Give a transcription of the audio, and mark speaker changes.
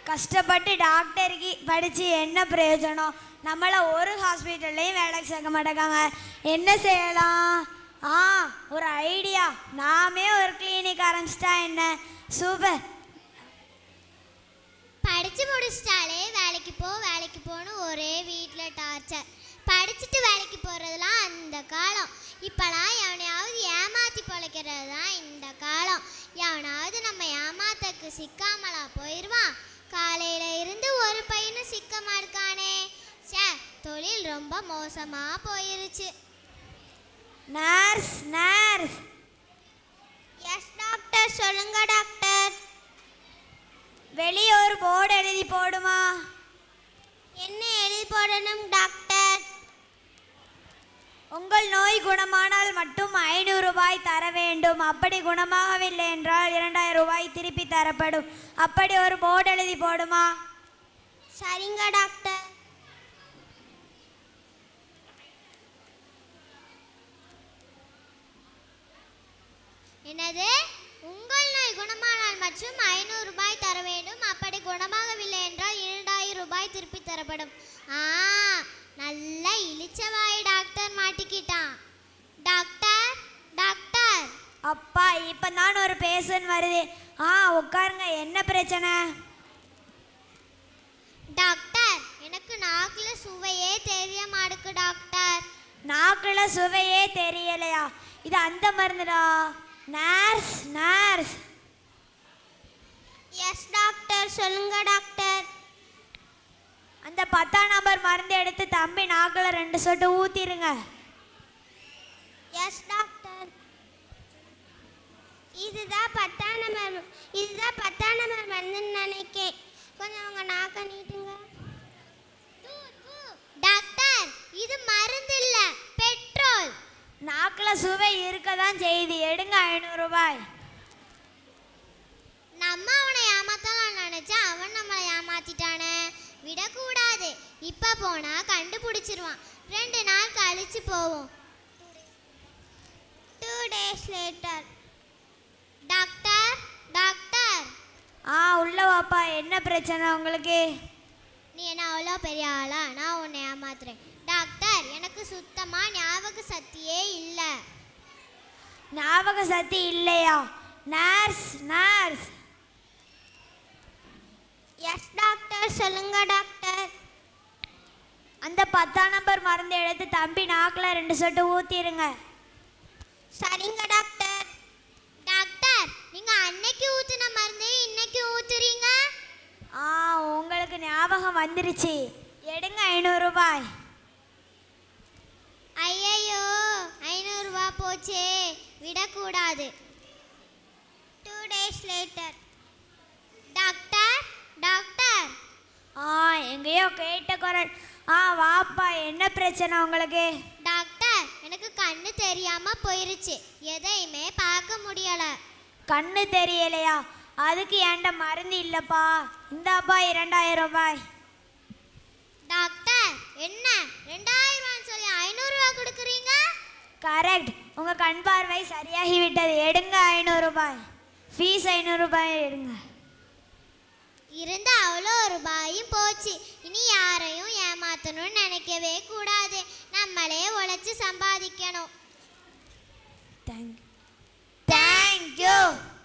Speaker 1: கஷ்டப்பட்டு டாக்டருக்கு படித்து என்ன பிரயோஜனம்? நம்மளை ஒரு ஹாஸ்பிட்டல்லையும் வேலைக்கு சேர்க்க மாட்டேங்காங்க. என்ன செய்யலாம்? ஒரு ஐடியா. நாமே ஒரு கிளினிக் ஆரம்பிச்சிட்டா என்ன? சூப்பர்.
Speaker 2: படித்து முடிச்சிட்டாலே வேலைக்கு போன்னு ஒரே வீட்டில் டார்ச்சர். படிச்சுட்டு வேலைக்கு போகிறதுலாம் அந்த காலம். இப்போலாம் எவனையாவது ஏமாற்றி பிழைக்கிறது தான் இந்த காலம். எவனாவது நம்ம ஏமாத்தக்கு சிக்காமலா போயிடுவான். காலையில் இருந்து ஒரு பையனும் சிக்க மாட்டானே. தொழில் ரொம்ப மோசமாக போயிருச்சு.
Speaker 1: Nurse nurse.
Speaker 2: Yes doctor. சொல்லுங்க டாக்டர்.
Speaker 1: வெளியே ஒரு போர்டு எழுதி போடுமா?
Speaker 2: என்ன எழுதி போடணும் டாக்டர்?
Speaker 1: உங்கள் நோய் குணமானால் மட்டும் 500 ரூபாய் தர வேண்டும். அப்படி குணமாகவில்லை என்றால் 2000 ரூபாய் திருப்பி தரப்படும். அப்படி ஒரு போர்டு எழுதி போடுமா?
Speaker 2: சரிங்க டாக்டர். என்னது? உங்கள் நோய் குணமானால் மற்றும் 500 ரூபாய் தர வேண்டும். அப்படி குணமாகவில்லை என்றால் 2000 ரூபாய் திருப்பி தரப்படும். நல்ல இளிச்சவாய் டாக்டர் மாட்டிக்கிட்டான். Doctor doctor.
Speaker 1: அப்பா இப்போ தான் ஒரு பேஷண்ட் வருது. உட்காருங்க. என்ன பிரச்சனை?
Speaker 2: டாக்டர், எனக்கு நாக்கில் சுவையே தெரிய மாட்டுக்கு டாக்டர்.
Speaker 1: நாக்கில் சுவையே தெரியலையா? இது அந்த மருந்துடா. Nurse nurse.
Speaker 2: Yes doctor. சொல்லுங்க டாக்டர்.
Speaker 1: அந்த 10ஆம் நம்பர் மருந்து எடுத்து தம்பி நாக்கில் 2 சொட்டு ஊற்றிருங்க.
Speaker 2: Yes doctor. இதுதான் 10ஆம் நம்பர் மருந்துன்னு நினைக்கேன். கொஞ்சம் உங்க நாக்க நீட்டுங்க. டாக்டர், இது மருந்து இல்லை, பெட்ரோல்.
Speaker 1: நாக்கில் சுவை இருக்க தான் செய்யுது. எடுங்க 500 ரூபாய்.
Speaker 2: நம்ம அவனை ஏமாத்தலாம் நினைச்சா அவன் நம்மளை ஏமாத்திட்டானே. விடக்கூடாது. இப்போ போனால் கண்டுபிடிச்சிருவான். 2 நாள் கழிச்சு போவோம். 2 days later. Doctor doctor.
Speaker 1: உள்ள வாப்பா. என்ன பிரச்சனை உங்களுக்கு?
Speaker 2: நீ என்ன அவ்வளோ பெரிய ஆளா? நான் உன்னை ஏமாத்துறேன். டாக்டர், எனக்கு சுத்தமாக ஞாபக சக்தியே இல்லை.
Speaker 1: ஞாபக சக்தி இல்லையா? Nurse nurse.
Speaker 2: Yes doctor. சொல்லுங்க டாக்டர்.
Speaker 1: அந்த 10ஆம் நம்பர் மருந்து எடுத்து தம்பி நாக்கில் 2 சொட்டு ஊற்றிருங்க.
Speaker 2: சரிங்க டாக்டர். டாக்டர், நீங்கள் அன்னைக்கு ஊற்றின மருந்து இன்னைக்கு ஊற்றுறீங்க.
Speaker 1: உங்களுக்கு ஞாபகம் வந்துருச்சு. எடுங்க 500 ரூபாய்.
Speaker 2: ஐயையோ, 500 ரூபாய் போச்சே. விடக்கூடாது. 2 days later. Doctor doctor.
Speaker 1: எங்கேயோ கேட்ட குரல். வாப்பா. என்ன பிரச்சனை உங்களுக்கு?
Speaker 2: டாக்டர், எனக்கு கண்ணு தெரியாம போயிருச்சு. எதையுமே பார்க்க முடியல.
Speaker 1: கண்ணு தெரியலையா? அதுக்கு ஏன்ட மருந்து இல்லைப்பா. இந்தாப்பா 2000 ரூபாய்.
Speaker 2: டாக்டர், என்ன 2000 ரூபான்னு சொல்லி 500 ரூபாய் கொடுக்குறீங்க?
Speaker 1: கரெக்ட். உங்கள் கண் பார்வை சரியாகி விட்டது. எடுங்க 500 ரூபாய். ஃபீஸ் 500 ரூபாய் எடுங்க.
Speaker 2: இருந்த அவ்வளோ ரூபாயும் போச்சு. இனி யாரையும் ஏமாற்றணும்னு நினைக்கவே கூடாது. நம்மளே உழைச்சி சம்பாதிக்கணும்.
Speaker 1: தேங்க்யூ.